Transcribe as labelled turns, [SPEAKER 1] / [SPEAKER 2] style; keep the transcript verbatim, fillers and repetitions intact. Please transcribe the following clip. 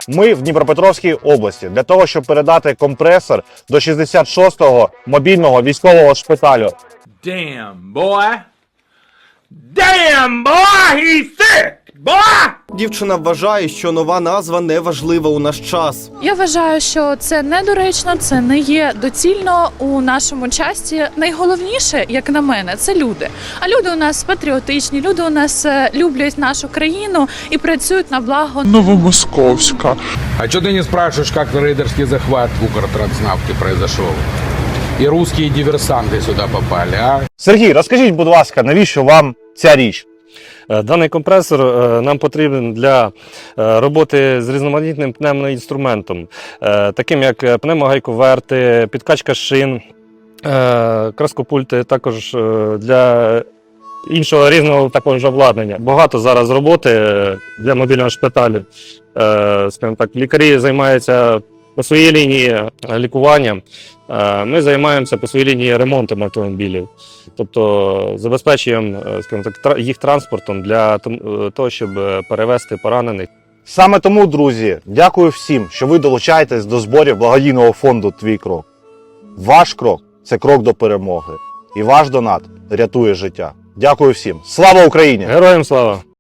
[SPEAKER 1] Ми в Дніпропетровській області для того, щоб передати компресор до шістдесят шостого мобільного військового шпиталю.
[SPEAKER 2] Damn, boy. Damn, boy, he's sick, boy!
[SPEAKER 3] Дівчина вважає, що нова назва не важлива у наш час.
[SPEAKER 4] Я вважаю, що це недоречно, це не є доцільно у нашому часі. Найголовніше, як на мене, це люди. А люди у нас патріотичні, люди у нас е, люблять нашу країну і працюють на благо.
[SPEAKER 5] Новомосковска.
[SPEAKER 6] А что ты не спрашиваешь, как рейдерский захват в Укртранснафте произошел? И русские диверсанты сюда попали, а?
[SPEAKER 1] Сергій, розкажіть, будь ласка, навіщо вам ця річ?
[SPEAKER 7] Даний компресор нам потрібен для роботи з різноманітним пневмоінструментом, таким як пневмогайковерти, підкачка шин, краскопульти, також для іншого різного також обладнання. Багато зараз роботи для мобільного шпиталю. Скажімо так, лікарі займаються по своїй лінії лікуванням, ми займаємося по своїй лінії ремонтом автомобілів. Тобто забезпечуємо, скажімо так, їх транспортом для того, щоб перевезти поранених.
[SPEAKER 1] Саме тому, друзі, дякую всім, що ви долучаєтесь до зборів благодійного фонду «Твій крок». Ваш крок – це крок до перемоги. І ваш донат рятує життя. Дякую всім. Слава Україні!
[SPEAKER 7] Героям слава!